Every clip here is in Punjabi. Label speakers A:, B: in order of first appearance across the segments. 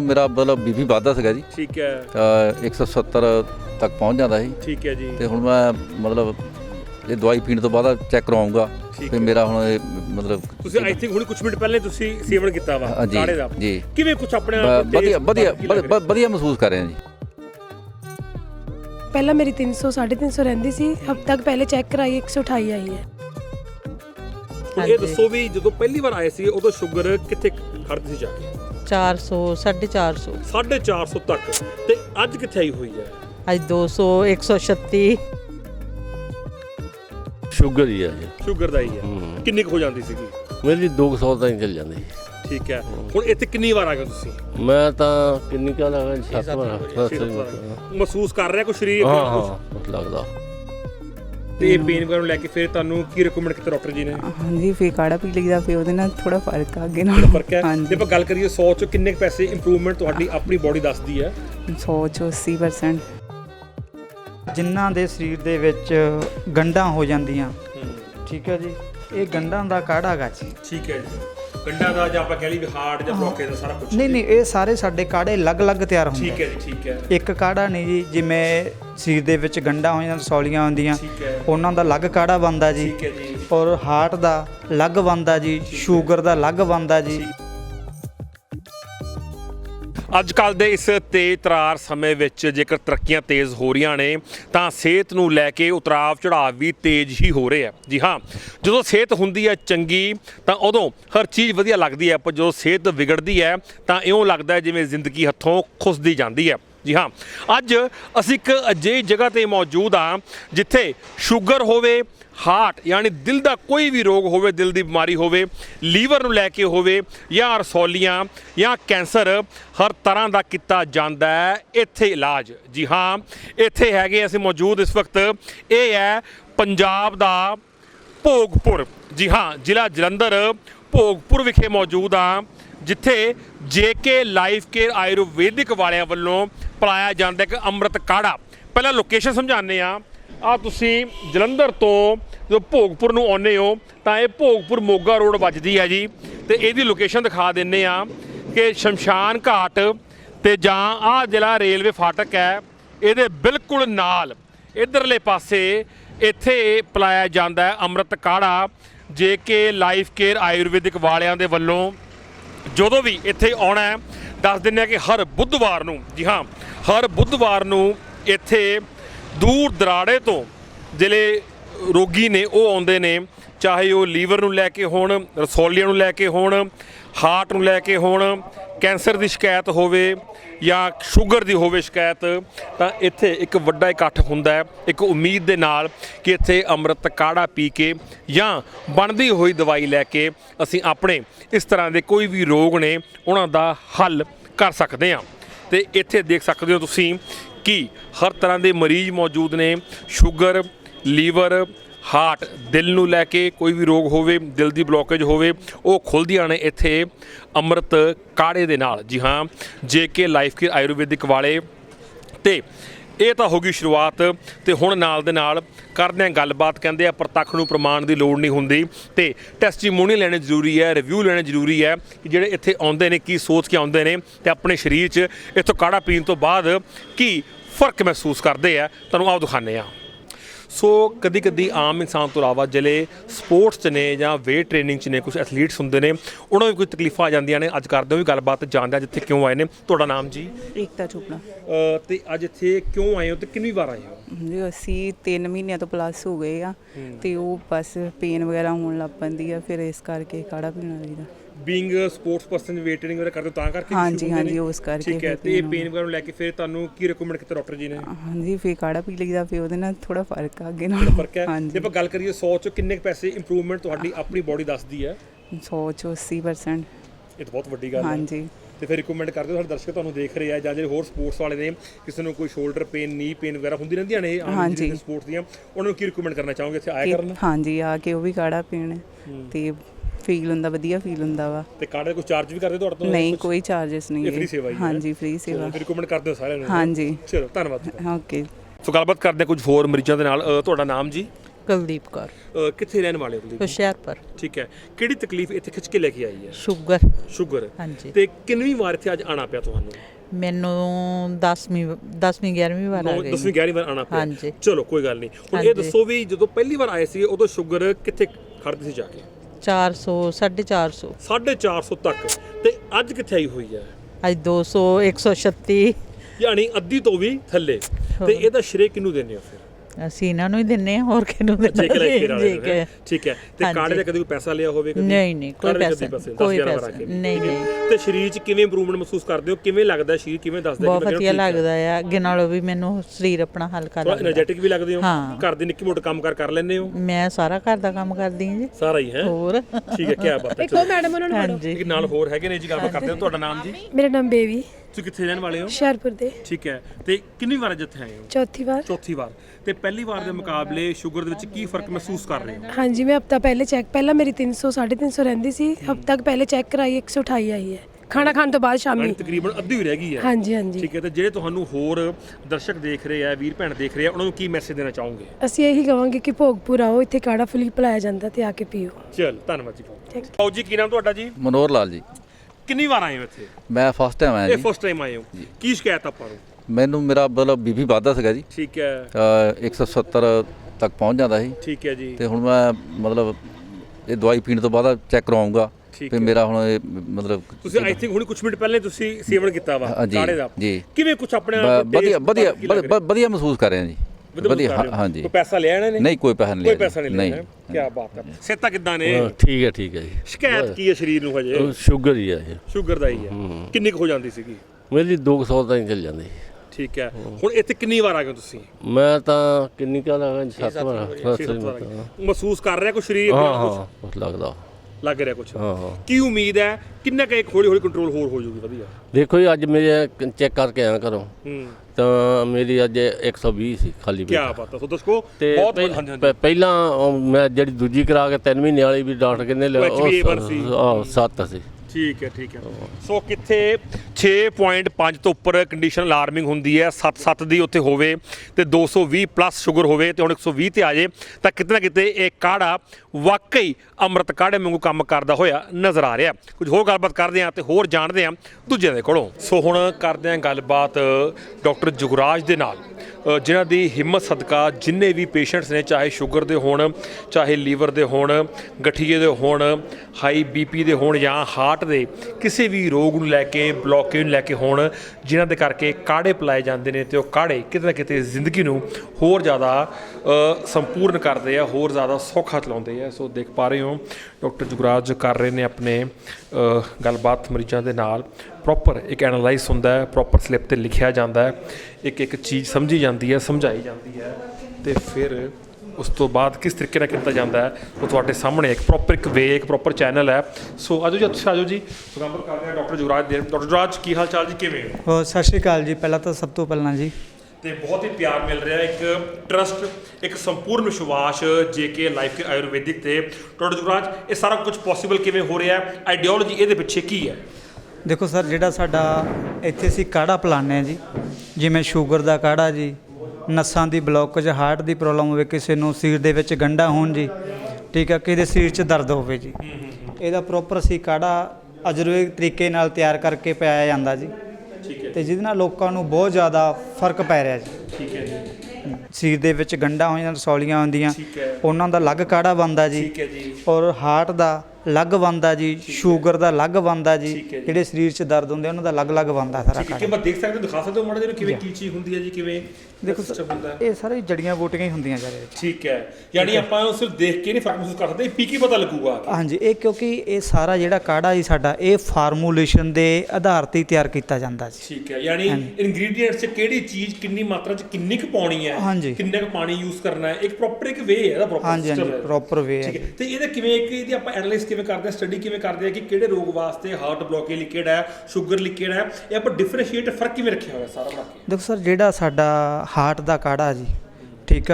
A: मेरा मतलब बीपी वादा सीगा जी।
B: ठीक है।
A: 170 तक पहुँच जाता ਸੀ।
B: ठीक है जी।
A: ਤੇ ਹੁਣ ਮੈਂ ਮਤਲਬ ਇਹ ਦਵਾਈ ਪੀਣ ਤੋਂ ਬਾਅਦ ਚੈੱਕ ਕਰਾਉਂਗਾ ਤੇ ਮੇਰਾ ਹੁਣ ਮਤਲਬ
B: ਤੁਸੀਂ ਆਈ ਥਿੰਕ ਹੁਣ ਕੁਝ ਮਿੰਟ ਪਹਿਲੇ ਤੁਸੀਂ ਸੇਵਨ ਕੀਤਾ ਵਾ ਕਾੜੇ ਦਾ
A: ਜੀ।
B: ਕਿਵੇਂ ਕੁਝ ਆਪਣੇ ਆਪ
A: ਵਧੀਆ ਮਹਿਸੂਸ ਕਰ ਰਹੇ ਹਾਂ ਜੀ।
C: ਪਹਿਲਾਂ ਮੇਰੀ 300 350 ਰਹਿੰਦੀ ਸੀ, ਹਫ਼ਤੇ ਤੱਕ ਪਹਿਲੇ ਚੈੱਕ ਕਰਾਈ 128 ਆਈ ਹੈ।
B: ਹੁਣ ਇਹ ਦੱਸੋ ਵੀ ਜਦੋਂ ਪਹਿਲੀ ਵਾਰ ਆਏ ਸੀ ਉਦੋਂ ਸ਼ੂਗਰ ਕਿੱਥੇ ਖੜਦੀ ਸੀ ਜਾ ਕੇ?
D: 400 450
B: 450 ਤੱਕ, ਤੇ ਅੱਜ ਕਿੱਥੇ ਆਈ ਹੋਈ ਹੈ?
D: ਅੱਜ 200 136
E: ਸ਼ੂਗਰ ਹੀ ਆ ਜੀ।
B: ਸ਼ੂਗਰ ਦਾ ਹੀ ਹੈ। ਕਿੰਨੀ ਕੁ ਹੋ ਜਾਂਦੀ ਸੀਗੀ?
E: ਮੇਰੀ 200 ਤਾਂ ਹੀ ਚੱਲ ਜਾਂਦੀ।
B: ਠੀਕ ਹੈ। ਹੁਣ ਇੱਥੇ ਕਿੰਨੀ ਵਾਰ ਆ ਗਏ ਤੁਸੀਂ?
E: ਮੈਂ ਤਾਂ ਕਿੰਨੀ ਕਾ ਲਗਾ 7 ਵਾਰ
B: ਮਹਿਸੂਸ ਕਰ ਰਿਹਾ ਕੋਈ ਸਰੀਰ?
E: ਹਾਂ ਲੱਗਦਾ।
B: ਤੇ ਪੇਨ ਵਗੈਰਾ ਨੂੰ ਲੈ ਕੇ ਫਿਰ ਤੁਹਾਨੂੰ ਕੀ ਰეკਮੈਂਡ ਕੀਤਾ ਡਾਕਟਰ ਜੀ ਨੇ?
F: ਹਾਂਜੀ, ਫੇ ਕਾੜਾ ਪੀ ਲਈਦਾ, ਫੇ ਉਹਦੇ ਨਾਲ ਥੋੜਾ ਫਰਕ ਆ ਅੱਗੇ ਨਾਲ।
B: ਫਰਕ ਹੈ। ਜੇ ਆਪਾਂ ਗੱਲ ਕਰੀਏ 100 ਚੋਂ ਕਿੰਨੇ ਪੈਸੇ ਇੰਪਰੂਵਮੈਂਟ ਤੁਹਾਡੀ ਆਪਣੀ ਬੋਡੀ ਦੱਸਦੀ ਹੈ?
F: 100 ਚੋਂ 80%।
G: ਜਿਨ੍ਹਾਂ ਦੇ ਸਰੀਰ ਦੇ ਵਿੱਚ ਗੰਢਾਂ ਹੋ ਜਾਂਦੀਆਂ, ਠੀਕ ਹੈ ਜੀ, ਇਹ ਗੰਢਾਂ ਦਾ ਕਾੜਾ ਗਾ ਜੀ।
B: ਠੀਕ ਹੈ ਜੀ। ਗੰਢਾਂ ਦਾ ਜਾਂ ਆਪਾਂ ਕਹਿ ਲਈ ਵੀ ਹਾਰਟ ਜਾਂ ਬਲੋਕੇਜ ਦਾ ਸਾਰਾ ਕੁਝ?
G: ਨਹੀਂ, ਇਹ ਸਾਰੇ ਸਾਡੇ ਕਾੜੇ ਅਲੱਗ-ਅਲੱਗ ਤਿਆਰ ਹੁੰਦੇ।
B: ਠੀਕ ਹੈ ਜੀ। ਠੀਕ ਹੈ।
G: ਇੱਕ ਕਾੜਾ ਨਹੀਂ ਜੀ, ਜਿਵੇਂ ਸਰੀਰ ਦੇ ਵਿੱਚ ਗੰਢਾਂ ਹੋ ਜਾਂਦੀਆਂ, ਰਸੌਲੀਆਂ ਹੁੰਦੀਆਂ, ਉਹਨਾਂ ਦਾ ਅਲੱਗ ਕਾੜਾ ਬਣਦਾ ਜੀ।
B: ਠੀਕ ਹੈ ਜੀ।
G: ਔਰ ਹਾਰਟ ਦਾ ਅਲੱਗ ਬਣਦਾ ਜੀ, ਸ਼ੂਗਰ ਦਾ ਅਲੱਗ ਬਣਦਾ ਜੀ।
B: ਅੱਜ ਕੱਲ੍ਹ ਦੇ ਇਸ ਤੇਜ਼ ਤਰਾਰ ਸਮੇਂ ਵਿੱਚ ਜੇਕਰ ਤਰੱਕੀਆਂ ਤੇਜ਼ ਹੋ ਰਹੀਆਂ ਨੇ ਤਾਂ ਸਿਹਤ ਨੂੰ ਲੈ ਕੇ ਉਤਰਾਵ ਚੜਾਵ ਵੀ ਤੇਜ਼ ਹੀ ਹੋ ਰਹੇ ਆ। ਜੀ ਹਾਂ, ਜਦੋਂ ਸਿਹਤ ਹੁੰਦੀ ਹੈ ਚੰਗੀ ਤਾਂ ਉਦੋਂ ਹਰ ਚੀਜ਼ ਵਧੀਆ ਲੱਗਦੀ ਹੈ, ਪਰ ਜਦੋਂ ਸਿਹਤ ਵਿਗੜਦੀ ਹੈ ਤਾਂ ਇਉਂ ਲੱਗਦਾ ਹੈ ਜਿਵੇਂ ਜ਼ਿੰਦਗੀ ਹੱਥੋਂ ਖੁੱਸਦੀ ਜਾਂਦੀ ਹੈ। ਜੀ ਹਾਂ, ਅੱਜ ਅਸੀਂ ਇੱਕ ਅਜਿਹੀ ਜਗ੍ਹਾ 'ਤੇ ਮੌਜੂਦ ਹਾਂ ਜਿੱਥੇ ਸ਼ੂਗਰ ਹੋਵੇ, ਹਾਰਟ ਯਾਨੀ ਦਿਲ ਦਾ ਕੋਈ ਵੀ ਰੋਗ ਹੋਵੇ, ਦਿਲ ਦੀ ਬਿਮਾਰੀ ਹੋਵੇ, ਲੀਵਰ ਨੂੰ ਲੈ ਕੇ ਹੋਵੇ ਜਾਂ ਰਸੌਲੀਆਂ ਜਾਂ ਕੈਂਸਰ, ਹਰ ਤਰ੍ਹਾਂ ਦਾ ਕੀਤਾ ਜਾਂਦਾ ਹੈ ਇੱਥੇ ਇਲਾਜ। ਜੀ ਹਾਂ, ਇੱਥੇ ਹੈਗੇ ਅਸੀਂ ਮੌਜੂਦ ਇਸ ਵਕਤ। ਇਹ ਹੈ ਪੰਜਾਬ ਦਾ ਭੋਗਪੁਰ। ਜੀ ਹਾਂ, ਜ਼ਿਲ੍ਹਾ ਜਲੰਧਰ ਭੋਗਪੁਰ ਵਿਖੇ ਮੌਜੂਦ ਹਾਂ, ਜਿੱਥੇ JK ਲਾਈਫ ਕੇਅਰ ਆਯੁਰਵੈਦਿਕ ਵਾਲਿਆਂ ਵੱਲੋਂ ਪਿਲਾਇਆ ਜਾਂਦਾ ਇੱਕ ਅੰਮ੍ਰਿਤ ਕਾੜਾ। ਪਹਿਲਾਂ ਲੋਕੇਸ਼ਨ ਸਮਝਾਉਂਦੇ ਹਾਂ। ਆ ਤੁਸੀਂ ਜਲੰਧਰ ਤੋਂ ਜਦੋਂ ਭੋਗਪੁਰ ਨੂੰ ਆਉਂਦੇ ਹੋ ਤਾਂ ਇਹ ਭੋਗਪੁਰ ਮੋਗਾ ਰੋਡ ਵੱਜਦੀ ਹੈ ਜੀ, ਤੇ ਇਹਦੀ ਲੋਕੇਸ਼ਨ ਦਿਖਾ ਦਿੰਦੇ ਆ ਕਿ ਸ਼ਮਸ਼ਾਨ ਘਾਟ ਤੇ ਜਾਂ ਆਹ ਜਿਹੜਾ ਰੇਲਵੇ ਫਾਟਕ ਹੈ ਇਹਦੇ ਬਿਲਕੁਲ ਨਾਲ ਇਧਰਲੇ ਪਾਸੇ ਇੱਥੇ ਪਿਲਾਇਆ ਜਾਂਦਾ ਹੈ ਅੰਮ੍ਰਿਤ ਕਾੜਾ JK ਲਾਈਫ ਕੇਅਰ ਆਯੁਰਵੈਦਿਕ ਵਾਲਿਆਂ ਦੇ ਵੱਲੋਂ। ਜਦੋਂ ਵੀ ਇੱਥੇ ਆਉਣਾ ਹੈ ਦੱਸ ਦਿੰਦੇ ਆ ਕਿ ਹਰ ਬੁੱਧਵਾਰ ਨੂੰ, ਜੀ ਹਾਂ, ਹਰ ਬੁੱਧਵਾਰ ਨੂੰ ਇੱਥੇ ਦੂਰ ਦਰਾੜੇ ਤੋਂ ਜਿਹੜੇ ਰੋਗੀ ਨੇ ਉਹ ਆਉਂਦੇ ਨੇ, ਚਾਹੇ ਉਹ ਲੀਵਰ ਨੂੰ ਲੈ ਕੇ ਹੋਣ, ਰਸੌਲੀਆਂ ਨੂੰ ਲੈ ਕੇ ਹੋਣ, ਹਾਰਟ ਨੂੰ ਲੈ ਕੇ ਹੋਣ, ਕੈਂਸਰ ਦੀ ਸ਼ਿਕਾਇਤ ਹੋਵੇ ਜਾਂ ਸ਼ੂਗਰ ਦੀ ਹੋਵੇ ਸ਼ਿਕਾਇਤ, ਤਾਂ ਇੱਥੇ ਇੱਕ ਵੱਡਾ ਇਕੱਠ ਹੁੰਦਾ ਹੈ ਇੱਕ ਉਮੀਦ ਦੇ ਨਾਲ ਕਿ ਇੱਥੇ ਅੰਮ੍ਰਿਤ ਕਾੜਾ ਪੀ ਕੇ ਜਾਂ ਬਣਦੀ ਹੋਈ ਦਵਾਈ ਲੈ ਕੇ ਅਸੀਂ ਆਪਣੇ ਇਸ ਤਰ੍ਹਾਂ ਦੇ ਕੋਈ ਵੀ ਰੋਗ ਨੇ ਉਹਨਾਂ ਦਾ ਹੱਲ ਕਰ ਸਕਦੇ ਹਾਂ। ਤੇ ਇੱਥੇ ਦੇਖ ਸਕਦੇ ਹੋ ਤੁਸੀਂ ਕਿ ਹਰ ਤਰ੍ਹਾਂ ਦੇ ਮਰੀਜ਼ ਮੌਜੂਦ ਨੇ। ਸ਼ੂਗਰ, ਲੀਵਰ, ਹਾਰਟ, ਦਿਲ ਨੂੰ ਲੈ ਕੇ ਕੋਈ ਵੀ ਰੋਗ ਹੋਵੇ, ਦਿਲ ਦੀ ਬਲੋਕੇਜ ਹੋਵੇ, ਉਹ ਖੁੱਲ੍ਹਦੀਆਂ ਨੇ ਇੱਥੇ ਅੰਮ੍ਰਿਤ ਕਾੜੇ ਦੇ ਨਾਲ। ਜੀ ਹਾਂ, JK ਲਾਈਫ ਕੇਅਰ ਆਯੁਰਵੈਦਿਕ ਵਾਲੇ। ਤੇ ਇਹ ਤਾਂ ਹੋ ਗਈ ਸ਼ੁਰੂਆਤ, ਤੇ ਹੁਣ ਨਾਲ ਦੇ ਨਾਲ ਕਰਦੇ ਹਾਂ ਗੱਲਬਾਤ। ਕਹਿੰਦੇ ਆ ਪ੍ਰਤੱਖ ਨੂੰ ਪ੍ਰਮਾਣ ਦੀ ਲੋੜ ਨਹੀਂ ਹੁੰਦੀ, ਤੇ ਟੈਸਟੀਮੋਨੀ ਲੈਣੇ ਜ਼ਰੂਰੀ ਹੈ, ਰਿਵਿਊ ਲੈਣੇ ਜ਼ਰੂਰੀ ਹੈ ਕਿ ਜਿਹੜੇ ਇੱਥੇ ਆਉਂਦੇ ਨੇ ਕੀ ਸੋਚ ਕੇ ਆਉਂਦੇ ਨੇ ਤੇ ਆਪਣੇ ਸਰੀਰ 'ਚ ਇੱਥੋਂ ਕਾੜਾ ਪੀਣ ਤੋਂ ਬਾਅਦ ਕੀ ਫਰਕ ਮਹਿਸੂਸ ਕਰਦੇ ਆ। ਤੁਹਾਨੂੰ ਆਓ ਦਿਖਾਉਂਦੇ ਹਾਂ। ਸੋ ਕਦੀ ਕਦੀ ਆਮ ਇਨਸਾਨ ਤੋਂ ਇਲਾਵਾ ਜਿਹੜੇ ਸਪੋਰਟਸ 'ਚ ਨੇ ਜਾਂ ਵੇਟ ਟ੍ਰੇਨਿੰਗ 'ਚ ਨੇ, ਕੁਝ ਐਥਲੀਟਸ ਹੁੰਦੇ ਨੇ, ਉਹਨਾਂ ਨੂੰ ਵੀ ਕੋਈ ਤਕਲੀਫਾਂ ਆ ਜਾਂਦੀਆਂ ਨੇ। ਅੱਜ ਕਰਦੇ ਹਾਂ ਵੀ ਗੱਲਬਾਤ, ਜਾਣਦੇ ਹਾਂ ਜਿੱਥੇ ਕਿਉਂ ਆਏ ਨੇ। ਤੁਹਾਡਾ ਨਾਮ ਜੀ?
F: ਏਕਤਾ ਚੋਪੜਾ।
B: ਤੇ ਅੱਜ ਇੱਥੇ ਕਿਉਂ ਆਏ ਹੋ ਤੇ ਕਿੰਨੀ ਵਾਰ ਆਏ ਹੋ?
F: ਜੀ ਅਸੀਂ 3 ਮਹੀਨਿਆਂ ਤੋਂ ਪਲੱਸ ਹੋ ਗਏ ਆ, ਤੇ ਉਹ ਬਸ ਪੇਨ ਵਗੈਰਾ ਹੋਣ ਲੱਗ ਪੈਂਦੀ ਆ, ਫਿਰ ਇਸ ਕਰਕੇ ਕਾੜਾ ਪੀਣਾ ਚਾਹੀਦਾ।
B: Being sports person weight training ਵਗੈਰਾ ਕਰਦੇ ਤਾਂ ਕਰਕੇ?
F: ਹਾਂਜੀ, ਉਸ ਕਰਕੇ।
B: ਠੀਕ ਹੈ। ਤੇ ਇਹ ਪੇਨ ਵਗੈਰਾ ਨੂੰ ਲੈ ਕੇ ਫਿਰ ਤੁਹਾਨੂੰ ਕੀ ਰეკਮੈਂਡ ਕੀਤਾ ਡਾਕਟਰ ਜੀ ਨੇ?
F: ਹਾਂਜੀ, ਫੇ ਕਾੜਾ ਪੀ ਲਈਦਾ, ਫੇ ਉਹਦੇ ਨਾਲ ਥੋੜਾ ਫਰਕ ਆ ਅੱਗੇ ਨਾਲ।
B: ਫਰਕ ਹੈ। ਜੇ ਆਪਾਂ ਗੱਲ ਕਰੀਏ 100 ਚੋਂ ਕਿੰਨੇ ਪੈਸੇ ਇੰਪਰੂਵਮੈਂਟ ਤੁਹਾਡੀ ਆਪਣੀ ਬੋਡੀ ਦੱਸਦੀ ਹੈ?
F: 100 ਚੋਂ 80%।
B: ਇਹ ਤਾਂ ਬਹੁਤ ਵੱਡੀ ਗੱਲ ਹੈ।
F: ਹਾਂਜੀ।
B: ਤੇ ਫਿਰ ਰਿਕਮੈਂਡ ਕਰਦੇ ਹੋ ਸਾਡੇ ਦਰਸ਼ਕ ਤੁਹਾਨੂੰ ਦੇਖ ਰਹੇ ਆ ਜਾਂ ਜਿਹੜੇ ਹੋਰ ਸਪੋਰਟਸ ਵਾਲੇ ਨੇ, ਕਿਸੇ ਨੂੰ ਕੋਈ ਸ਼ੋਲਡਰ ਪੇਨ, ਨੀ ਪੇਨ ਵਗੈਰਾ ਹੁੰਦੀ ਰਹਿੰਦੀਆਂ ਨੇ
F: ਹਾਂਜੀ
B: ਸਪੋਰਟਸ ਦੀਆਂ, ਉਹਨਾਂ ਨੂੰ ਕੀ ਰਿਕਮੈਂਡ ਕਰਨਾ ਚਾਹੋਗੇ ਇੱਥੇ ਆਇਆ ਕਰਨ?
F: ਹਾਂਜੀ, ਆ ਕੇ ਉਹ ਵੀ ਕਾੜਾ ਪੀਣ ਤੇ ਫੀਲ ਹੁੰਦਾ, ਵਧੀਆ ਫੀਲ ਹੁੰਦਾ ਵਾ।
B: ਤੇ ਕਾੜੇ ਦਾ ਕੋਈ ਚਾਰਜ ਵੀ ਕਰਦੇ ਤੁਹਾਡੇ ਤੋਂ?
F: ਨਹੀਂ, ਕੋਈ ਚਾਰजेस ਨਹੀਂ ਹੈ।
B: ਫ੍ਰੀ ਸੇਵਾ ਹੀ ਹੈ?
F: ਹਾਂਜੀ, ਫ੍ਰੀ ਸੇਵਾ।
B: ਰਿਕਮੈਂਡ ਕਰਦੇ ਹੋ ਸਾਰਿਆਂ ਨੂੰ?
F: ਹਾਂਜੀ।
B: ਚਲੋ, ਧੰਨਵਾਦ।
F: ਓਕੇ।
B: ਸੋ ਗੱਲਬਾਤ ਕਰਦੇ ਕੁਝ ਹੋਰ ਮਰੀਜ਼ਾਂ ਦੇ ਨਾਲ। ਤੁਹਾਡਾ ਨਾਮ ਜੀ?
D: ਕੁਲਦੀਪ ਕੌਰ
B: ਕਿੱਥੇ ਰਹਿਣ ਵਾਲੇ ਹੋ ਤੁਸੀਂ?
D: ਹੁਸ਼ਿਆਰਪੁਰ।
B: ਠੀਕ ਹੈ, ਕਿਹੜੀ ਤਕਲੀਫ ਇੱਥੇ ਖਿੱਚ ਕੇ ਲੈ ਕੇ ਆਈ ਹੈ?
D: ਸ਼ੂਗਰ।
B: ਸ਼ੂਗਰ।
D: ਹਾਂਜੀ।
B: ਤੇ ਕਿੰਨੀ ਵਾਰ ਇੱਥੇ ਅੱਜ ਆਣਾ ਪਿਆ ਤੁਹਾਨੂੰ?
D: ਮੈਨੂੰ 10ਵੀਂ 11ਵੀਂ ਵਾਰ ਆ ਗਈ।
B: 10ਵੀਂ 11ਵੀਂ ਵਾਰ ਆਣਾ ਪਿਆ।
D: ਹਾਂਜੀ।
B: ਚਲੋ ਕੋਈ ਗੱਲ ਨਹੀਂ। ਹੁਣ ਇਹ
D: ਹਾਂਜੀ।
B: ਦੱਸੋ ਵੀ ਜਦੋਂ ਪਹਿਲੀ ਵਾਰ ਆਏ ਸੀ ਉਦੋਂ ਸ਼ੂਗਰ ਕਿੱਥੇ ਖੜਦੀ ਸੀ ਜਾ ਕੇ?
D: 400 450
B: 450 ਤੱਕ, ਤੇ ਅੱਜ ਕਿੱਥੇ ਆਈ ਹੋਈ ਹੈ?
D: ਅੱਜ 200 136।
B: ਯਾਨੀ ਅੱਧੀ ਤੋਂ ਵੀ ਥੱਲੇ। ਤੇ ਇਹਦਾ ਸ਼੍ਰੇ ਕਿਹਨੂੰ ਦਿੰਦੇ ਹੋ ਫਿਰ?
D: ਅਸੀਂ ਇਹਨਾਂ ਨੂੰ ਹੀ ਦਿੰਨੇ ਆ, ਹੋਰ ਕਿਹਨੂੰ
B: ਜੇਕਰ
D: ਦਿੰਨੇ?
B: ਠੀਕ ਹੈ। ਤੇ
D: ਹਾਂਜੀ।
B: ਕਾਰਡ ਦੇ ਕਦੇ ਕੋਈ ਪੈਸਾ ਲਿਆ ਹੋਵੇ? ਕਦੇ
D: ਨਹੀਂ ਕੋਈ
B: ਕਾਰਡ ਦੇ
D: ਪੈਸਾ
B: ਕਦੇ
D: ਕੋਈ
B: 10-11 ਵਾਰ
D: ਪੈਸਾ
B: ਆ ਕੇ?
D: ਨਹੀਂ ਨਹੀਂ।
B: ਤੇ ਸਰੀਰ 'ਚ ਕਿਵੇਂ ਇੰਪਰੂਵਮੈਂਟ ਮਹਿਸੂਸ ਕਰਦੇ ਹੋ? ਕਿਵੇਂ ਲੱਗਦਾ ਸਰੀਰ? ਕਿਵੇਂ ਦੱਸਦਾ
D: ਬਹੁਤ
B: ਮੈਂ
D: ਵਧੀਆ
B: ਠੀਕ ਹਾਂ?
D: ਲੱਗਦਾ ਆ, ਅੱਗੇ ਨਾਲੋਂ ਵੀ ਮੈਨੂੰ ਸਰੀਰ ਆਪਣਾ ਹਲਕਾ
B: ਥੋੜਾ
D: ਲੱਗਦਾ।
B: એનર્ਜੈਟਿਕ ਵੀ ਲੱਗਦੇ ਹੋ?
D: ਹਾਂ।
B: ਘਰ ਦੇ ਨਿੱਕੀ ਮੋਟੇ ਕੰਮ ਕਰ ਲੈਂਦੇ ਹੋ?
D: ਮੈਂ ਸਾਰਾ ਘਰ ਦਾ ਕੰਮ ਕਰਦੀ ਹਾਂ ਜੀ।
B: ਸਾਰਾ ਹੀ ਹੈ?
D: ਹੋਰ
B: ਠੀਕ ਹੈ, ਕੀ ਬਾਤ ਹੈ।
C: ਇੱਕ ਉਹ ਮੈਡਮ ਉਹਨਾਂ ਨੂੰ ਫੜੋ।
D: ਹਾਂਜੀ।
B: ਇੱਕ ਨਾਲ ਹੋਰ ਹੈਗੇ ਨੇ ਜੀ, ਗੱਲਬਾਤ ਕਰਦੇ ਹੋ। ਤੁਹਾਡਾ ਨਾਮ ਜੀ?
C: ਮੇਰਾ ਨਾਮ ਬੇਬੀ,
B: ਤੁਸੀਂ ਕਿੱਥੇ ਰਹਿਣ ਵਾਲੇ ਹੋ?
C: ਹੁਸ਼ਿਆਰਪੁਰ ਦੇ।
B: ਠੀਕ ਹੈ, ਤੇ ਕਿੰਨੀ ਵਾਰ ਇੱਥੇ ਆਏ ਹੋ?
C: ਚੌਥੀ ਵਾਰ।
B: ਚੌਥੀ ਵਾਰ। ਤੇ ਪਹਿਲੀ ਵਾਰ ਦੇ ਮੁਕਾਬਲੇ ਸ਼ੂਗਰ ਦੇ ਵਿੱਚ ਕੀ ਫਰਕ ਮਹਿਸੂਸ ਕਰ ਰਹੇ ਹੋ?
C: ਹਾਂਜੀ, ਮੈਂ ਹਫਤਾ ਪਹਿਲੇ ਚੈੱਕ, ਪਹਿਲਾਂ ਮੇਰੀ 300 350 ਰਹਿੰਦੀ ਸੀ, ਹਫਤਾ ਕੁ ਪਹਿਲੇ ਚੈੱਕ ਕਰਾਈ 128 ਆਈ ਹੈ, ਖਾਣਾ ਖਾਣ ਤੋਂ ਬਾਅਦ ਸ਼ਾਮੀ।
B: ਯਾਨੀ ਤਕਰੀਬਨ ਅੱਧੀ ਹੀ ਰਹਿ ਗਈ ਹੈ।
C: ਹਾਂਜੀ ਹਾਂਜੀ।
B: ਠੀਕ ਹੈ, ਤੇ ਜਿਹੜੇ ਤੁਹਾਨੂੰ ਹੋਰ ਦਰਸ਼ਕ ਦੇਖ ਰਹੇ ਆ, ਵੀਰ ਭੈਣ ਦੇਖ ਰਹੇ ਆ, ਉਹਨਾਂ ਨੂੰ ਕੀ ਮੈਸੇਜ ਦੇਣਾ ਚਾਹੋਗੇ?
C: ਅਸੀਂ ਇਹੀ ਕਹਾਂਗੇ ਕਿ ਭੋਗਪੁਰ ਆਓ, ਇੱਥੇ ਕਾੜਾ ਫੁੱਲੀ ਪਿਲਾਇਆ ਜਾਂਦਾ ਤੇ ਆ ਕੇ ਪੀਓ।
B: ਚਲ ਧੰਨਵਾਦ ਜੀ।
C: ਠੀਕ।
B: ਆਓ ਜੀ, ਕੀ ਨਾਮ ਤੁਹਾਡਾ ਜੀ?
A: ਮਨੋਹਰ ਲਾਲ ਜੀ।
B: ਕਿੰਨੀ ਵਾਰ ਆਏ ਹੋ ਇੱਥੇ?
A: ਮੈਂ ਫਸਟ ਟਾਈਮ ਆਇਆ
B: ਇਹ
A: ਜੀ।
B: ਫਸਟ ਟਾਈਮ ਆਏ ਹੋ। ਕੀ ਸ਼ਿਕਾਇਤ ਆਪਾਂ ਨੂੰ?
A: ਮੈਨੂੰ ਮੇਰਾ ਮਤਲਬ ਬੀਪੀ ਵੱਧਦਾ ਸੀਗਾ ਜੀ।
B: ਠੀਕ ਹੈ।
A: 170 ਤੱਕ ਪਹੁੰਚ ਜਾਂਦਾ ਸੀ।
B: ਠੀਕ ਹੈ ਜੀ।
A: ਤੇ ਹੁਣ ਮੈਂ ਮਤਲਬ ਇਹ ਦਵਾਈ ਪੀਣ ਤੋਂ ਬਾਅਦ ਚੈੱਕ ਕਰਾਉਂਗਾ
B: ਠੀਕ
A: ਤੇ
B: ਹੈ।
A: ਮੇਰਾ ਹੁਣ ਇਹ ਮਤਲਬ
B: ਤੁਸੀਂ ਆਈ ਥਿੰਕ ਹੁਣ ਕੁਝ ਮਿੰਟ ਪਹਿਲੇ ਤੁਸੀਂ ਸੇਵਨ ਕੀਤਾ ਵਾ
A: ਹਾਂਜੀ,
B: ਕਾੜੇ ਦਾ।
A: ਜੀ।
B: ਕਿਵੇਂ ਕੁਝ ਆਪਣੇ ਆਪ ਤੇ
A: ਵਧੀਆ ਵਧੀਆ
B: ਕੀ ਲੱਗ ਰਿਹਾ?
A: ਵਧੀਆ ਮਹਿਸੂਸ ਕਰ ਰਹੇ ਹਾਂ ਜੀ। ਵਧੀਆ ਹਾਂਜੀ।
B: ਕੋਈ ਪੈਸਾ ਲਿਆ ਇਹਨਾਂ ਨੇ?
A: ਨਹੀਂ, ਕੋਈ ਪੈਸਾ ਨਹੀਂ
B: ਕੋਈ
A: ਲਿਆ
B: ਪੈਸਾ ਨਹੀਂ
A: ਨਹੀਂ।
B: ਲਿਆ। ਕੀ ਬਾਤ ਹੈ। ਸਿਹਤਾਂ ਕਿੱਦਾਂ ਨੇ?
E: ਠੀਕ ਹੈ ਜੀ।
B: ਸ਼ਿਕਾਇਤ ਕੀ ਹੈ ਸਰੀਰ ਨੂੰ ਹਜੇ?
E: ਸ਼ੂਗਰ ਹੀ ਆ ਇਹ।
B: ਸ਼ੂਗਰ ਦਾ ਹੀ ਹੈ। ਕਿੰਨੀ ਕੁ ਹੋ ਜਾਂਦੀ ਸੀਗੀ?
E: ਮੇਰੀ 200 ਤਾਂ ਹੀ ਚੱਲ ਜਾਂਦੀ।
B: ਠੀਕ ਹੈ। ਹੁਣ ਇੱਥੇ ਕਿੰਨੀ ਵਾਰ ਆ ਗਏ ਤੁਸੀਂ?
E: ਮੈਂ ਤਾਂ ਕਿੰਨੀ ਕਾ ਲਗਾ 7 ਵਾਰ।
B: ਮਹਿਸੂਸ ਕਰ ਰਿਹਾ ਕੋਈ ਸਰੀਰ
E: ਹਾਂ
B: ਆਪਣਾ
E: ਹਾਂ ਕੁਛ ਲੱਗਦਾ।
B: ਲੱਗ ਰਿਹਾ ਕੁਝ?
E: ਹਾਂ ਹਾਂ।
B: ਕੀ ਉਮੀਦ ਹੈ ਕਿੰਨਾ ਕੁ ਹੌਲੀ ਹੌਲੀ ਕੰਟਰੋਲ ਹੋਰ ਹੋ ਜਾਊਗੀ? ਵਧੀਆ।
E: ਦੇਖੋ ਜੀ, ਅੱਜ ਮੇਰੇ ਚੈੱਕ ਕਰਕੇ ਆਇਆ ਘਰੋਂ
B: ਹੂੰ।
E: ਤਾਂ ਮੇਰੀ ਅੱਜ 120 ਸੀ ਖਾਲੀ
B: ਕੀ
E: ਪੇਟ।
B: ਬਾਤ ਹੈ। ਸੋ ਦਰਸ਼ਕੋ,
E: ਤੇ
B: ਬਹੁਤ ਹਾਂਜੀ ਹਾਂਜੀ।
E: ਪਹਿਲਾਂ ਮੈਂ ਜਿਹੜੀ ਦੂਜੀ ਕਰਾ ਕੇ 3 ਮਹੀਨੇ ਵਾਲੀ ਵੀ ਡਾਕਟਰ ਕਹਿੰਦੇ
B: ਉਹ HbA1 ਸੀ।
E: 7 ਸੀ।
B: ਠੀਕ ਹੈ, ਠੀਕ ਹੈ। ਸੋ ਕਿੱਥੇ 6.5 ਤੋਂ ਉੱਪਰ ਕੰਡੀਸ਼ਨ ਅਲਾਰਮਿੰਗ ਹੁੰਦੀ ਹੈ, 7 ਦੀ ਉੱਥੇ ਹੋਵੇ ਤੇ 220 ਪਲੱਸ ਸ਼ੂਗਰ ਹੋਵੇ ਤੇ ਹੁਣ 120 ਤੇ ਆ ਜੇ, ਤਾਂ ਕਿਤੇ ਨਾ ਕਿਤੇ ਇਹ ਕਾੜਾ ਵਾਕਈ ਅੰਮ੍ਰਿਤ ਕਾੜੇ ਵਾਂਗੂ ਕੰਮ ਕਰਦਾ ਹੋਇਆ ਨਜ਼ਰ ਆ ਰਿਹਾ। ਕੁਝ ਹੋਰ ਗੱਲਬਾਤ ਕਰਦੇ ਹਾਂ ਤੇ ਹੋਰ ਜਾਣਦੇ ਹਾਂ ਦੂਜਿਆਂ ਦੇ ਕੋਲੋਂ। ਸੋ ਹੁਣ ਕਰਦੇ ਹਾਂ ਗੱਲਬਾਤ ਡਾਕਟਰ ਜੁਗਰਾਜ ਦੇ ਨਾਲ, ਜਿਨ੍ਹਾਂ ਦੀ ਹਿੰਮਤ ਸਦਕਾ ਜਿੰਨੇ ਵੀ ਪੇਸ਼ੈਂਟਸ ਨੇ, ਚਾਹੇ ਸ਼ੂਗਰ ਦੇ ਹੋਣ, ਚਾਹੇ ਲੀਵਰ ਦੇ ਹੋਣ, ਗਠੀਏ ਦੇ ਹੋਣ, ਹਾਈ ਬੀਪੀ ਦੇ ਹੋਣ ਜਾਂ ਹਾਰਟ ਦੇ ਕਿਸੇ ਵੀ ਰੋਗ ਨੂੰ ਲੈ ਕੇ, ਬਲੋਕੇਜ ਨੂੰ ਲੈ ਕੇ ਹੋਣ, ਜਿਨ੍ਹਾਂ ਦੇ ਕਰਕੇ ਕਾੜੇ ਪਿਲਾਏ ਜਾਂਦੇ ਨੇ ਤੇ ਉਹ ਕਾੜੇ ਕਿਤੇ ਨਾ ਕਿਤੇ ਜ਼ਿੰਦਗੀ ਨੂੰ ਹੋਰ ਜ਼ਿਆਦਾ ਸੰਪੂਰਨ ਕਰਦੇ ਆ, ਹੋਰ ਜ਼ਿਆਦਾ ਸੌਖਾ ਚਲਾਉਂਦੇ ਆ। ਸੋ ਦੇਖ ਪਾ ਰਹੇ ਹੋ ਡਾਕਟਰ ਜੁਗਰਾਜ ਕਰ ਰਹੇ ਨੇ ਆਪਣੇ ਗੱਲਬਾਤ ਮਰੀਜ਼ਾਂ ਦੇ ਨਾਲ। ਪ੍ਰੋਪਰ ਇੱਕ ਐਨਾਲਾਈਜ਼ ਹੁੰਦਾ ਹੈ, ਪ੍ਰੋਪਰ ਸਲਿੱਪ ਤੇ ਲਿਖਿਆ ਜਾਂਦਾ ਹੈ, ਇੱਕ ਚੀਜ਼ ਸਮਝੀ ਜਾਂਦੀ ਹੈ, ਸਮਝਾਈ ਜਾਂਦੀ ਹੈ, ਤੇ ਫਿਰ ਉਸ ਤੋਂ ਬਾਅਦ ਕਿਸ ਤਰੀਕੇ ਨਾਲ ਕੀਤਾ ਜਾਂਦਾ ਹੈ ਉਹ ਤੁਹਾਡੇ ਸਾਹਮਣੇ ਇੱਕ ਪ੍ਰੋਪਰ ਇੱਕ ਵੇ, ਇੱਕ ਪ੍ਰੋਪਰ ਚੈਨਲ ਹੈ। ਸੋ ਆਜੋ ਜੀ, ਆਜੋ ਜੀ, ਗੱਲਬਾਤ ਕਰਦੇ ਹਾਂ ਡਾਕਟਰ ਜੁਗਰਾਜ ਦੇ। ਡਾਕਟਰ ਜੁਗਰਾਜ, ਕੀ ਹਾਲ ਚਾਲ ਜੀ? ਕਿਵੇਂ ਹੋ?
G: ਸਤਿ ਸ਼੍ਰੀ ਅਕਾਲ ਜੀ। ਪਹਿਲਾਂ ਤਾਂ ਸਭ ਤੋਂ ਪਹਿਲਾਂ ਜੀ
B: ਤੇ ਬਹੁਤ ਹੀ ਪਿਆਰ ਮਿਲ ਰਿਹਾ, ਇੱਕ ਟਰਸਟ, ਇੱਕ ਸੰਪੂਰਨ ਵਿਸ਼ਵਾਸ JK ਲਾਈਫ ਕੇਅਰ ਆਯੁਰਵੈਦਿਕ ਤੇ। ਡਾਕਟਰ ਜੁਗਰਾਜ, ਇਹ ਸਾਰਾ ਕੁਝ ਪੋਸੀਬਲ ਕਿਵੇਂ ਹੋ ਰਿਹਾ ਹੈ? ਆਈਡੀਓਲੋਜੀ ਇਹਦੇ ਪਿੱਛੇ ਕੀ ਹੈ?
G: ਦੇਖੋ ਸਰ, ਜਿਹੜਾ ਸਾਡਾ ਇੱਥੇ ਅਸੀਂ ਕਾੜਾ ਪਿਲਾਉਂਦੇ ਹਾਂ ਜੀ, ਜਿਵੇਂ ਸ਼ੂਗਰ ਦਾ ਕਾੜਾ ਜੀ, ਨਸਾਂ ਦੀ ਬਲੋਕੇਜ, ਹਾਰਟ ਦੀ ਪ੍ਰੋਬਲਮ ਹੋਵੇ, ਕਿਸੇ ਨੂੰ ਸਰੀਰ ਦੇ ਵਿੱਚ ਗੰਢਾਂ ਹੋਣ ਜੀ, ਠੀਕ ਹੈ, ਕਿਸੇ ਦੇ ਸਰੀਰ 'ਚ ਦਰਦ ਹੋਵੇ ਜੀ, ਇਹਦਾ ਪ੍ਰੋਪਰ ਅਸੀਂ ਕਾੜਾ ਆਯੁਰਵੈਦਿਕ ਤਰੀਕੇ ਨਾਲ ਤਿਆਰ ਕਰਕੇ ਪਿਆਇਆ ਜਾਂਦਾ ਜੀ।
B: ਠੀਕ ਹੈ।
G: ਤੇ ਜਿਹਦੇ ਨਾਲ ਲੋਕਾਂ ਨੂੰ ਬਹੁਤ ਜ਼ਿਆਦਾ ਫਰਕ ਪੈ ਰਿਹਾ ਜੀ।
B: ਠੀਕ ਹੈ ਜੀ।
G: ਸਰੀਰ ਦੇ ਵਿੱਚ ਗੰਢਾਂ ਹੋਈਆਂ, ਰਸੌਲੀਆਂ ਹੁੰਦੀਆਂ,
B: ਠੀਕ ਹੈ।
G: ਉਹਨਾਂ ਦਾ ਅਲੱਗ ਕਾੜਾ ਬਣਦਾ ਜੀ।
B: ਠੀਕ ਹੈ ਜੀ।
G: ਔਰ ਹਾਰਟ ਦਾ ਅਲੱਗ ਬਣਦਾ ਜੀ, ਸ਼ੂਗਰ ਦਾ ਅਲੱਗ ਬਣਦਾ ਜੀ,
B: ਠੀਕ ਹੈ ਜੀ।
G: ਜਿਹੜੇ ਸਰੀਰ 'ਚ ਦਰਦ ਹੁੰਦੇ ਉਹਨਾਂ ਦਾ ਅਲੱਗ-ਅਲੱਗ ਬਣਦਾ ਸਾਰਾ
B: ਠੀਕ ਹੈ,
G: ਕਾੜਾ।
B: ਕਿ ਮੈਂ ਦੇਖ ਸਕਦੇ, ਦਿਖਾ ਸਕਦੇ ਹੋ ਮਾੜਾ ਜਿਹਾ ਕਿਵੇਂ ਕੀ ਚੀਜ਼ ਹੁੰਦੀ ਹੈ ਜੀ, ਕਿਵੇਂ
G: ਦੇਖੋ
B: ਸਿਸਟਮ ਹੁੰਦਾ ਹੈ?
G: ਇਹ ਸਾਰੇ ਜੜੀਆਂ ਬੂਟੀਆਂ ਹੀ ਹੁੰਦੀਆਂ ਜੀ ਇਹਦੇ ਵਿੱਚ।
B: ਠੀਕ ਹੈ, ਯਾਨੀ ਆਪਾਂ ਨੂੰ ਸਿਰਫ ਦੇਖ ਕੇ ਨਹੀਂ ਫਰਕ ਮਹਿਸੂਸ ਕਰ ਸਕਦੇ, ਪੀ ਕੇ ਪਤਾ ਲੱਗੂਗਾ।
G: ਹਾਂਜੀ, ਇਹ ਕਿਉਂਕਿ ਇਹ ਸਾਰਾ ਜਿਹੜਾ ਕਾੜਾ ਜੀ ਸਾਡਾ, ਇਹ ਫਾਰਮੂਲੇਸ਼ਨ ਦੇ ਆਧਾਰ ਤੇ ਹੀ ਤਿਆਰ ਕੀਤਾ ਜਾਂਦਾ ਜੀ।
B: ਠੀਕ ਹੈ, ਯਾਨੀ ਇਨਗਰੀਡੀਐਂਟਸ 'ਚ ਕਿਹੜੀ ਚੀਜ਼ ਕਿੰਨੀ ਮਾਤਰਾ 'ਚ ਕਿੰਨੀ ਕੁ ਪਾਉਣੀ ਹੈ,
G: ਹਾਂਜੀ।
B: ਕਿੰਨਾ ਕੁ ਪਾਣੀ ਯੂਜ਼ ਕਰਨਾ ਹੈ, ਇੱਕ ਪ੍ਰੋਪਰ ਇੱਕ ਵੇ ਹੈ ਇਹਦਾ, ਪ੍ਰੋਪਰ
G: ਹਾਂਜੀ
B: ਸਿਸਟਮ
G: ਹਾਂਜੀ,
B: ਹੈ।
G: ਪ੍ਰੋਪਰ ਵੇ ਹੈ।
B: ਠੀਕ ਹੈ, ਤੇ ਇਹਦਾ ਕਿਵੇਂ ਇਹਦੀ ਆਪਾਂ ਐਨਾਲਾਈਜ਼ ਕਿਵੇਂ ਕਰਦੇ ਹਾਂ, ਸਟੱਡੀ ਕਿਵੇਂ ਕਰਦੇ ਹਾਂ ਕਿ ਕਿਹੜੇ ਰੋਗ ਵਾਸਤੇ ਹਾਰਟ ਬਲੋਕੇਜ ਲਿਕਵਿਡ ਹੈ, ਸ਼ੂਗਰ ਲਿਕਵਿਡ ਹੈ, ਇਹ ਆਪਾਂ ਡਿਫਰੈਂਸ਼ੀਏਟ ਫਰਕ ਕਿਵੇਂ ਰੱਖਿਆ ਹੋਇਆ ਸਾਰਾ ਬਣਾ ਕੇ?
G: ਦੇਖੋ ਸਰ, ਜਿਹੜਾ ਸਾਡਾ ਹਾਰਟ ਦਾ ਕਾੜਾ ਜੀ, ਠੀਕ ਆ,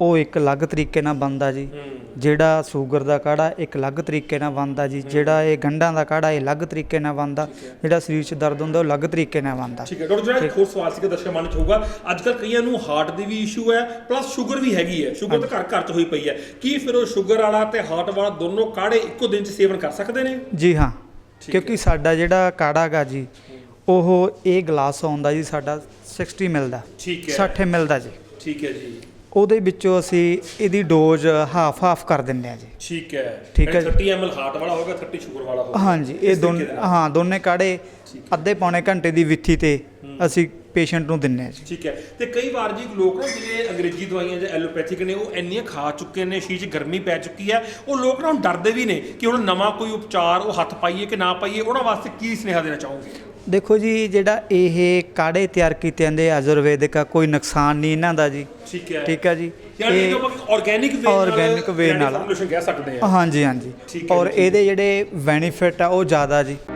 G: ਉਹ ਇੱਕ ਅਲੱਗ ਤਰੀਕੇ ਨਾਲ ਬਣਦਾ ਜੀ। ਜਿਹੜਾ ਸ਼ੂਗਰ ਦਾ ਕਾੜਾ ਇੱਕ ਅਲੱਗ ਤਰੀਕੇ ਨਾਲ ਬਣਦਾ ਜੀ। ਜਿਹੜਾ ਇਹ ਗੰਢਾਂ ਦਾ ਕਾੜਾ ਇਹ ਅਲੱਗ ਤਰੀਕੇ ਨਾਲ ਬਣਦਾ। ਜਿਹੜਾ ਸਰੀਰ 'ਚ ਦਰਦ ਹੁੰਦਾ ਉਹ ਅਲੱਗ ਤਰੀਕੇ ਨਾਲ ਬਣਦਾ।
B: ਠੀਕ ਹੈ ਡਾਕਟਰ, ਜਿਹੜਾ ਇੱਕ ਹੋਰ ਸਵਾਲ ਸੀਗਾ ਦਰਸ਼ਕਾਂ ਮਨ 'ਚ ਹੋਊਗਾ, ਅੱਜ ਕੱਲ੍ਹ ਕਈਆਂ ਨੂੰ ਹਾਰਟ ਦੀ ਵੀ ਇਸ਼ੂ ਹੈ ਪਲੱਸ ਸ਼ੂਗਰ ਵੀ ਹੈਗੀ ਹੈ। ਸ਼ੂਗਰ ਤਾਂ ਘਰ ਘਰ 'ਚ ਹੋਈ ਪਈ ਹੈ। ਕੀ ਫਿਰ ਉਹ ਸ਼ੂਗਰ ਵਾਲਾ ਤੇ ਹਾਰਟ ਵਾਲਾ ਦੋਨੋਂ ਕਾੜੇ ਇੱਕੋ ਦਿਨ 'ਚ ਸੇਵਨ ਕਰ ਸਕਦੇ ਨੇ?
G: ਜੀ ਹਾਂ, ਕਿਉਂਕਿ ਸਾਡਾ ਜਿਹੜਾ ਕਾੜਾ ਗਾ ਜੀ ਉਹ ਇਹ ਗਲਾਸ ਆਉਂਦਾ ਜੀ ਸਾਡਾ 60 ml ਦਾ।
B: ਠੀਕ ਹੈ
G: 60 ml ਦਾ ਜੀ।
B: ਠੀਕ ਹੈ ਜੀ।
G: ਉਹਦੇ ਵਿੱਚੋਂ ਅਸੀਂ ਇਹਦੀ ਡੋਜ਼ ਹਾਫ ਕਰ ਦਿੰਦੇ ਆ ਜੀ।
B: ਠੀਕ ਹੈ।
G: ਠੀਕ ਹੈ
B: 30 ml ਹਾਰਟ ਵਾਲਾ ਹੋਗਾ, 30 ਸ਼ੂਗਰ ਵਾਲਾ ਹੋਗਾ।
G: ਹਾਂਜੀ, ਇਹ ਦੋਨੇ ਕਾੜੇ ਅੱਧੇ ਪੌਣੇ ਘੰਟੇ ਦੀ ਵਿੱਥੀ ਤੇ ਅਸੀਂ ਪੇਸ਼ੈਂਟ ਨੂੰ ਦਿੰਨੇ ਆ ਜੀ।
B: ਠੀਕ ਹੈ। ਤੇ ਕਈ ਵਾਰ ਜੀ ਲੋਕ ਨਾ ਜਿਹੜੇ ਅੰਗਰੇਜ਼ੀ ਦਵਾਈਆਂ ਜਾਂ ਐਲੋਪੈਥਿਕ ਨੇ ਉਹ ਇੰਨੀਆਂ ਖਾ ਚੁੱਕੇ ਨੇ, ਸ਼ੀਰ 'ਚ ਗਰਮੀ ਪੈ ਚੁੱਕੀ ਹੈ, ਉਹ ਲੋਕ ਨਾ ਹੁਣ ਡਰਦੇ ਵੀ ਨੇ ਕਿ ਹੁਣ ਨਵਾਂ ਕੋਈ ਉਪਚਾਰ ਉਹ ਹੱਥ ਪਾਈਏ ਕਿ ਨਾ ਪਾਈਏ। ਉਹਨਾਂ ਵਾਸਤੇ ਕੀ ਸੁਨੇਹਾ ਦੇਣਾ ਚਾਹੋਗੇ?
G: ਦੇਖੋ ਜੀ, ਜਿਹੜਾ ਇਹ ਕਾੜੇ ਤਿਆਰ ਕੀਤੇ ਜਾਂਦੇ ਆਯੁਰਵੈਦਿਕ ਆ, ਕੋਈ ਨੁਕਸਾਨ ਨਹੀਂ ਇਹਨਾਂ ਦਾ ਜੀ।
B: ਠੀਕ ਹੈ।
G: ਠੀਕ ਹੈ ਜੀ।
B: ਇਹ ਆਰਗੈਨਿਕ
G: ਵੇ ਨਾਲ
B: ਫਾਰਮੂਲੇਸ਼ਨ ਕਹਿ ਸਕਦੇ ਆ।
G: ਹਾਂਜੀ ਹਾਂਜੀ।
B: ਠੀਕ ਹੈ
G: ਔਰ
B: ਜੀ,
G: ਇਹਦੇ ਜਿਹੜੇ ਬੈਨੀਫਿਟ ਆ ਉਹ ਜ਼ਿਆਦਾ ਜੀ।